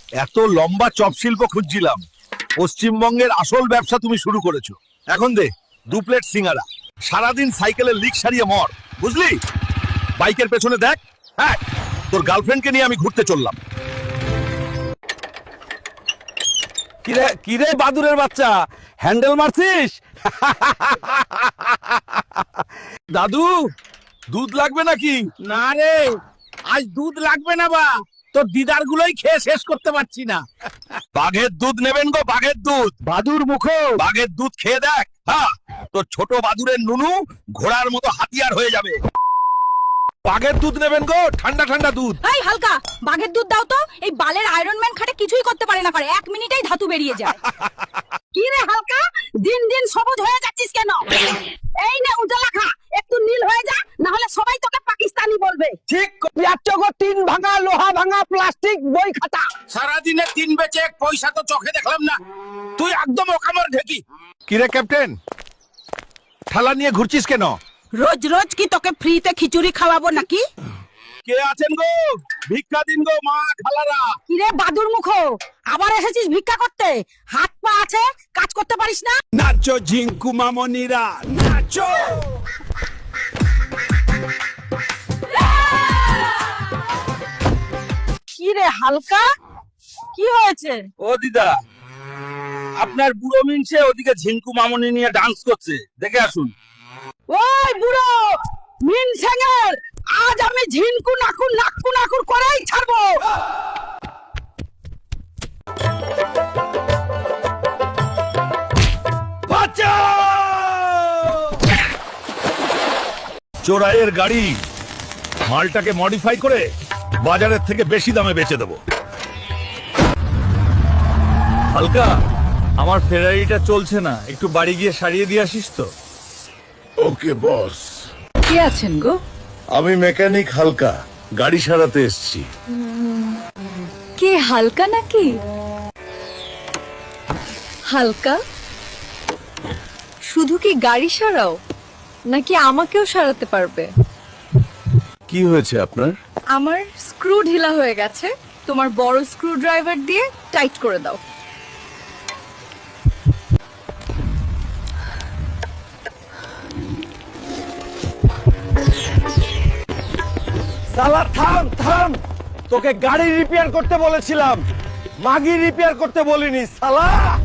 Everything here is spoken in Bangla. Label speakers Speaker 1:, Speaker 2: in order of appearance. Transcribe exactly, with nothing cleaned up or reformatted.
Speaker 1: এত লম্বা চপ শিল্প খুঁজছিলাম, পশ্চিমবঙ্গের আসল ব্যবসা তুমি শুরু করেছো। এখন দে দু প্লেট সিঙ্গারা, সারাদিন সাইকেলের লিক সারিয়ে মর, বুঝলি? বাইকের পেছনে দেখ। হ্যাঁ, তোর গার্লফ্রেন্ডকে নিয়ে আমি ঘুরতে চললাম।
Speaker 2: কিরে কিরে বাদুরের বাচ্চা, হ্যান্ডেল মারছিস?
Speaker 1: দাদু, দুধ লাগবে নাকি?
Speaker 2: না রে, আজ দুধ লাগবে না বা, তোর দিদার গুলোই খেয়ে শেষ করতে পারছি না।
Speaker 1: বাঘের দুধ নেবেন গো, বাঘের দুধ।
Speaker 2: বাদুর মুখ,
Speaker 1: বাঘের দুধ খেয়ে দেখ। হ্যাঁ, তোর ছোট বাদুরের নুনু ঘোড়ার মতো হাতিয়ার হয়ে যাবে। বাঘের দুধ নেবেন গো, ঠান্ডা ঠান্ডা দুধ।
Speaker 3: এই হালকা, বাঘের দুধ দাও তো। এই বালের আয়রন ম্যান খাটে কিছুই করতে পারে না, করে এক মিনিটেই ধাতু বেরিয়ে যায়। কি রে হালকা, দিন দিন সবুজ হয়ে যাচ্ছিস কেন? এই নে উজালা খা, একটু নীল হয়ে যা, না হলে সবাই তোকে পাকিস্তানি বলবে।
Speaker 2: ঠিক গো, তিন ভাঙা লোহা ভাঙা প্লাস্টিক বই খাতা।
Speaker 1: সারাদিনে তিন বেচে এক পয়সা তো চোখে দেখলাম না। তুই একদম ওকামার ঢেকি। কিরে ক্যাপ্টেন, ঠালা নিয়ে ঘুরছিস কেন?
Speaker 3: রোজ রোজ কি তোকে ফ্রিতে খিচুড়ি খাওয়াবো নাকি?
Speaker 1: কে আছেন গো? ভিক্ষা দিন গো মা খালারা।
Speaker 3: কি রে বাদুর মুখ, আবার এসেছিস ভিক্ষা করতে? হাত পা আছে, কাজ করতে পারিস না?
Speaker 2: নাচো ঝিঙ্কু মামনিরা, নাচো।
Speaker 3: কি রে হালকা, কি হয়েছে?
Speaker 2: ও দিদা, আপনার বুড়ো মিনসে ওদিকে ঝিঙ্কু মামনি নিয়ে ডান্স করছে, দেখে আসুন।
Speaker 3: ওই বুড়ো মিন সেঙ্গের, আজ আমি ঝিনকু নাকুর নাকু নাকুর করেই ছাড়বো।
Speaker 1: চোরাইয়ের গাড়ি, মালটাকে মডিফাই করে বাজারের থেকে বেশি দামে বেচে দেবো।
Speaker 4: হালকা, আমার ফেরারিটা চলছে না, একটু বাড়ি গিয়ে সারিয়ে দিয়ে আসিস তো।
Speaker 5: ওকে বস।
Speaker 3: কে আছেন গো?
Speaker 5: আমি মেকানিক হালকা, গাড়ি সারাতে এসেছি।
Speaker 3: কে হালকা নাকি? হালকা, শুধু কি গাড়ি সারাও নাকি আমাকেও সারাতে পারবে?
Speaker 5: কি হয়েছে আপনার?
Speaker 3: আমার স্ক্রু ঢিলা হয়ে গেছে, তোমার বড় স্ক্রু ড্রাইভার দিয়ে টাইট করে দাও।
Speaker 2: সালা থাম থাম, তোকে গাড়ি রিপেয়ার করতে বলেছিলাম, মাগি রিপেয়ার করতে বলিনি সালা।